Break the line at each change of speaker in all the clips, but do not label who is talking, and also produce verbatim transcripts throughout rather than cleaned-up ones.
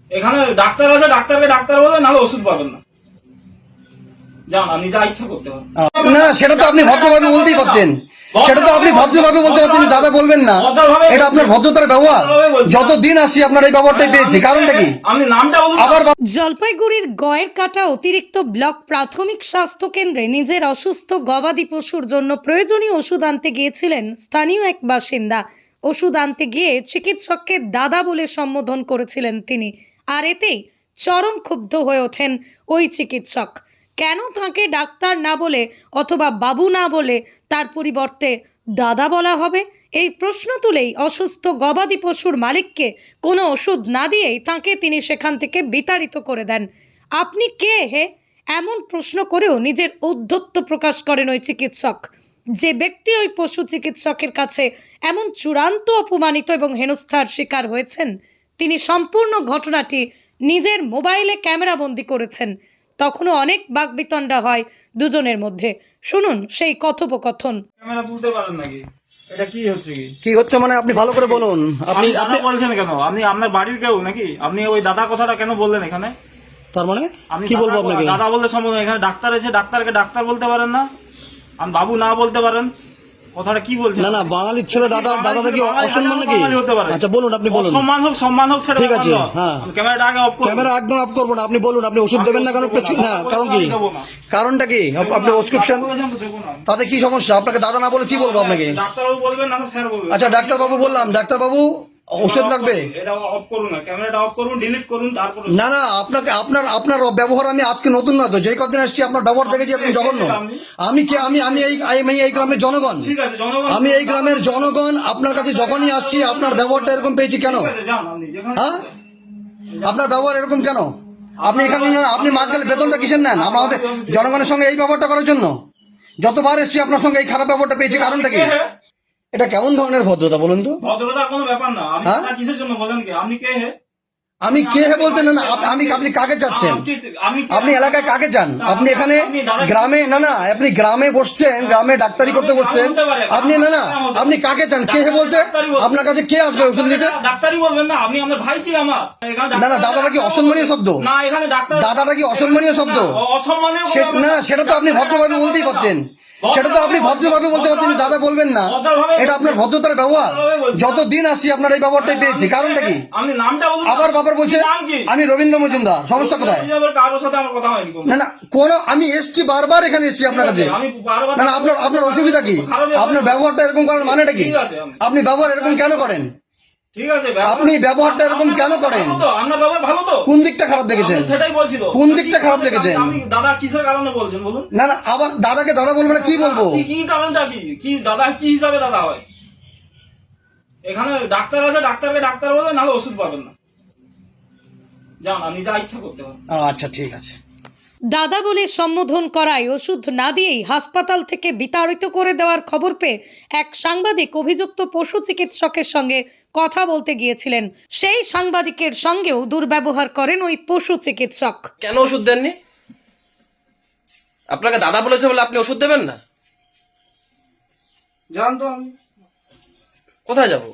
এখানে ডাক্তার আছে, ডাক্তারকে ডাক্তার বলবেন, নাহলে ওষুধ পাবেন না। যান, আপনি যা ইচ্ছা করতে পারেন।
না সেটা তো আপনি ভদ্রভাবে বলতেই পারতেন, সেটা তো আপনি ভদ্রভাবে বলতে পারতেন, দাদা বলবেন না, এটা আপনার ভদ্রতার ব্যবহার। যতদিন আসছি আপনার এই ব্যবহারটাই পেয়েছি, কারণটা কি?
আপনি নামটা বলুন।
আবার
জলপাইগুড়ির গয়ের কাটা অতিরিক্ত ব্লক প্রাথমিক স্বাস্থ্য কেন্দ্রে নিজের অসুস্থ গবাদি পশুর জন্য প্রয়োজনীয় ওষুধ আনতে গিয়েছিলেন স্থানীয় এক বাসিন্দা। ওষুধ আনতে গিয়ে চিকিৎসককে দাদা বলে সম্বোধন করেছিলেন তিনি, আর এতেই চরম ক্ষুব্ধ হয়ে ওঠেন ওই চিকিৎসক। কেন তাকে ডাক্তার না বলে অথবা বাবু না বলে তার পরিবর্তে দাদা বলা হবে, এই প্রশ্ন তুলেই অসুস্থ গবাদি পশুর মালিককে কোনো ওষুধ না দিয়েই তাকে তিনি সেখান থেকে বিতাড়িত করে দেন। আপনি কে হে? এমন প্রশ্ন করেও নিজের ঔদ্ধত্য প্রকাশ করেন ওই চিকিৎসক। যে ব্যক্তি ওই পশু চিকিৎসকের কাছে এমন চূড়ান্ত অপমানিত এবং হেনস্থার শিকার হয়েছেন, তিনি সম্পূর্ণ ঘটনাটি নিজের মোবাইলে ক্যামেরাবন্দি করেছেন। তখনও অনেক বাকবিতণ্ডা হয় দুজনের মধ্যে। শুনুন সেই কথোপকথন।
ক্যামেরা তুলতে পারেন নাকি? এটা কি হচ্ছে কি?
কি হচ্ছে মানে আপনি ভালো করে বলুন। আপনি
আপনি আপনি বলছেন কেন? আপনি আপনার বাড়ির কেউ নাকি? আপনি ওই দাদা কথাটা কেন বললেন এখানে?
তার মানে
আপনি
কি বলবো
দাদা-
আপনাকে?
দাদা বললে সম্ভব না। এখানে ডাক্তার আছে, ডাক্তারকে ডাক্তার বলতে পারেন না? আমি বাবু না বলতে পারেন? কথাটা কি বলছেন?
না না, বাঙালির ছেলে দাদা, দাদাটা কি
বাঙালি
অসম্মান
ছেলে
নাকি?
বাঙালি হতে পারে।
আচ্ছা বলুন, আপনি বলুন।
সম্মান হোক, সম্মান হোক, সেটা
ঠিক আছে,
ব্যাপার না।
হ্যাঁ।
আমি ক্যামেরাটা আগে অফ করব।
ক্যামেরা একদম অফ করবো না, আপনি বলুন। আপনি ওষুধ দেবেন না কেন?
দেবো না।
না কারণ কি?
আমি দেবো না।
কারণটা কি? আপ- আপনি প্রেসক্রিপশন
দেবো না।
তাতে কি সমস্যা? আপনাকে দাদা না বলে কি বলবো আপনাকে?
ডাক্তারবাবু বলবেন না, স্যার বলবেন।
আচ্ছা ডাক্তারবাবু বললাম, ডাক্তারবাবু ওষুধ লাগবে?
এটা অফ করুন না, ক্যামেরাটা অফ করুন, ডিলিট করুন, তারপর
না না, আপনাকে আপনার আপনার ব্যবহার আমি আজকে নতুন না তো, যেই কদিন আসছি আপনার ব্যবহার দেখেছি এখন জঘন্য। আমি কি আমি আমি এই আমি এই গ্রামের জনগণ,
ঠিক আছে জনগণ,
আমি এই গ্রামের জনগণ। আপনার কাছে যখনই আসছি আপনার ব্যবহারটা এরকম পেয়েছি কেন?
ঠিক আছে, যান আপনি যেখানে।
হ্যাঁ, আপনার ব্যবহার এরকম কেন? আপনি এখানে না, আপনি মাঝখানে বেতনটা কিসের নেন? আমাদের জনগণের সঙ্গে এই ব্যবহারটা করার জন্য? যতবার এসছি আপনার সঙ্গে এই খারাপ ব্যবহারটা পেয়েছি, কারণটা কি? এটা কেমন ধরনের ভদ্রতা বলুন তো?
ভদ্রতার কোনো ব্যাপার না। আপনি
হ্যাঁ?
না কিসের জন্য বলেন কি? আপনি কে হে?
আমি কে হে বলতে না না, আপ- আমি আপনি কাকে চাচ্ছেন? আপনি এলাকায় কাকে চান? আপনি এখানে গ্রামে না না, আপনি গ্রামে বসছেন, গ্রামে ডাক্তারি করতে বসছেন আপনি। না না, আপনি কাকে চান? কে হে বলতে? আপনার কাছে কে আসবে ওষুধ দিতে?
ডাক্তারি বলবেন না, আপনি আমার ভাই কি আমার? এখানে
না না, দাদাটা কি অসম্মানীয় শব্দ?
না, এখানে ডাক্তার
দাদাটা কি অসম্মানীয় শব্দ?
অসম্মানীয় কোনো
সে-
ব্যাপার
না সেটা তো আপনি ভদ্রভাবে বলতেই পারতেন, সেটা তো আপনি ভদ্রভাবে বলতে পারতেন, দাদা বলবেন না, এটা আপনার ভদ্রতার ব্যবহার। যতদিন আসছি আপনার এই ব্যবহারটাই পেয়েছি, কারণটা কি?
আপনি নামটা বলুন।
আবার বাবার বলছে
নাম কি?
আমি রবীন্দ্র মজুমদার, সমস্যা কোথায়?
কারোর সাথে আমার কথা হয়নি কোনো।
না না, কোন আমি এসছি বারবার এখানে এসছি আপনার কাছে।
আমি বারবার-
না না, আপনার আপনার অসুবিধা কি? আপনার ব্যবহারটা এরকম করার মানেটা কি?
ঠিক আছে, আমি-
আপনি ব্যবহার এরকম কেন করেন?
ঠিক আছে, ব্যবহার-
আপনি ব্যবহারটা এরকম
আপনার
কেন
ব্যবহার
করেন?
ভালো তো? আপনার ব্যবহার ভালো তো?
কোন দিকটা খারাপ দেখেছেন?
আমি সেটাই বলছি তো।
কোন দিকটা খারাপ দেখেছেন?
আপনি দাদা কিসের কারণে বলছেন বলুন?
না না, আবার দাদাকে দাদা বলবো না, কি বলবো?
কি কি কারণটা কি? কি দাদা কি হিসাবে দাদা হয়? এখানে ডাক্তার আছে, ডাক্তারকে ডাক্তার বলবেন, নাহলে ওষুধ পাবেন না। যান, আপনি যা ইচ্ছা করতে পারেন।
আচ্ছা ঠিক আছে।
দাদা বলে সম্বোধন করায় ওষুধ না দিয়েই হাসপাতাল থেকে বিতাড়িত করে দেওয়ার খবর পেয়ে এক সাংবাদিক অভিযুক্ত পশু চিকিৎসকের সঙ্গে কথা বলতে গিয়েছিলেন। সেই সাংবাদিকের সঙ্গেও দুর্ব্যবহার করেন ওই পশু চিকিৎসক।
কেন ওষুধ দেননি? আপনাকে দাদা বলেছে বলে আপনি ওষুধ দেবেন না?
জান তো আমি
কোথায় যাব?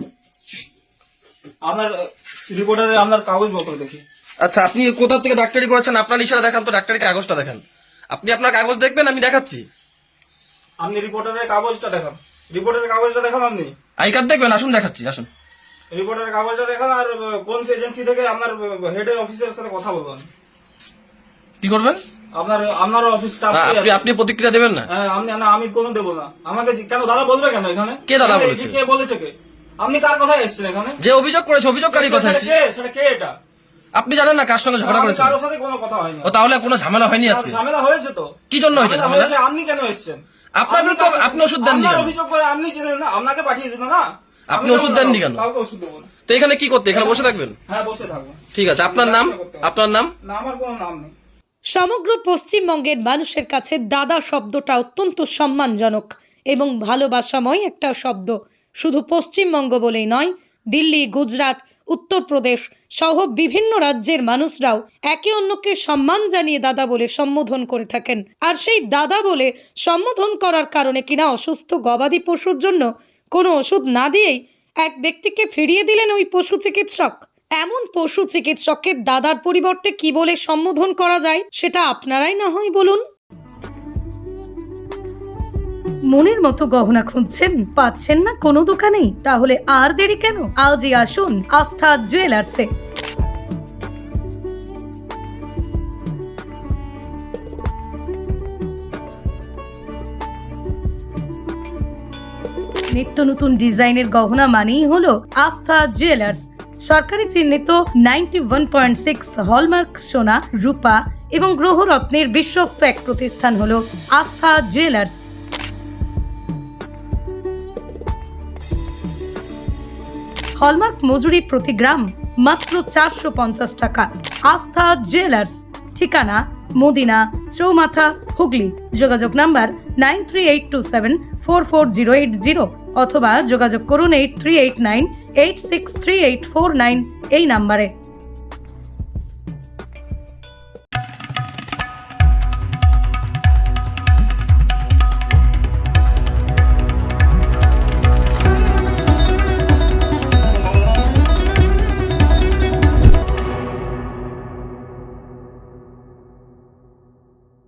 আপনার রিপোর্টারে আপনার কাগজপত্র দেখি।
আচ্ছা, আপনি কোথা থেকে ডাক্তারি করেছেন? আপনার ইশারা দেখান তো, ডাক্তারি কাগজটা দেখান। আপনি আপনার কাগজ দেখবেন, আমি দেখাচ্ছি।
আপনি রিপোর্টারের কাগজটা দেখান। রিপোর্টারের কাগজটা দেখান। আপনি
আই কার্ড দেখবেন, আসুন দেখাচ্ছি, আসুন।
রিপোর্টারের কাগজটা দেখান। আর কোন এজেন্সি থেকে আপনার হেডের অফিসের সাথে কথা বলবেন।
কি করবেন?
আপনার আপনার অফিস স্টাফ
না, আপনি আপনি প্রতিক্রিয়া দেবেন না?
হ্যাঁ, আমি না, আমি কোনো দেবো না। আমাকে জি- কেন দাদা বলবে কেন এখানে?
কে দাদা
এখানে
বলেছে?
কে বলেছে কে? আপনি কার কথায় এসেছেন এখানে?
যে অভিযোগ করেছে অভিযোগকারী কথা
সেটা
এসেছে।
কে? সেটা কে এটা?
আপনি জানেন না কার সঙ্গে ঝগড়া
আমি
করেছেন?
কারোর সাথে কোনো কথা হয়নি।
ও তাহলে কোনো ঝামেলা হয়নি আজকে?
ঝামেলা হয়েছে তো।
কি জন্য হয়েছে ঝামেলা?
হয়েছে, আপনি কেন এসেছেন?
আপনার
আপনি
বিরুদ্ধে
কাকে-
আপনি ওষুধ দেননি
আপনার
কেন?
অভিযোগ করে আপনি ছিলেন না, আপনাকে পাঠিয়েছিল না।
আপনি
আমি
ওষুধ
কেন
দেননি
দেবো?
কেন?
কাউকে ওষুধ দেবো না।
তো এখানে কি করতে? এখানে বসে থাকবেন?
হ্যাঁ, বসে থাকবো।
ঠিক আছে, আপনার নাম? আপনার নাম?
না, আমার কোনো নাম নেই।
সমগ্র পশ্চিমবঙ্গের মানুষের কাছে দাদা শব্দটা অত্যন্ত সম্মানজনক এবং ভালোবাসাময় একটা শব্দ। শুধু পশ্চিমবঙ্গ বলেই নয়, দিল্লি, গুজরাট, উত্তরপ্রদেশ সহ বিভিন্ন রাজ্যের মানুষরাও একে অন্যকে সম্মান জানিয়ে দাদা বলে সম্বোধন করে থাকেন। আর সেই দাদা বলে সম্বোধন করার কারণে কিনা অসুস্থ গবাদি পশুর জন্য কোনো ওষুধ না দিয়েই এক ব্যক্তিকে ফিরিয়ে দিলেন ওই পশু চিকিৎসক। এমন পশু চিকিৎসককে দাদার পরিবর্তে কি বলে সম্বোধন করা যায় সেটা আপনারাই না হয় বলুন। মনের মতো গহনা খুঁজছেন, পাচ্ছেন না কোনো দোকানেই? তাহলে আর দেরি কেন, আজই আসুন আস্থা জুয়েলার্সে। নিত্য নতুন ডিজাইনের গহনা মানেই হলো আস্থা জুয়েলার্স। সরকারি চিহ্নিত ninety one point six hallmark সোনা, রূপা এবং গ্রহরত্নের বিশ্বস্ত এক প্রতিষ্ঠান হলো আস্থা জুয়েলার্স। হলমার্ক মজুরি প্রতি গ্রাম মাত্র চারশো পঞ্চাশ টাকা। আস্থা জুয়েলার্স, ঠিকানা মদিনা চৌমাথা, হুগলি। যোগাযোগ number nine three eight two seven four four zero eight zero অথবা যোগাযোগ করুন eight three eight nine eight six three eight four nine এই নাম্বারে।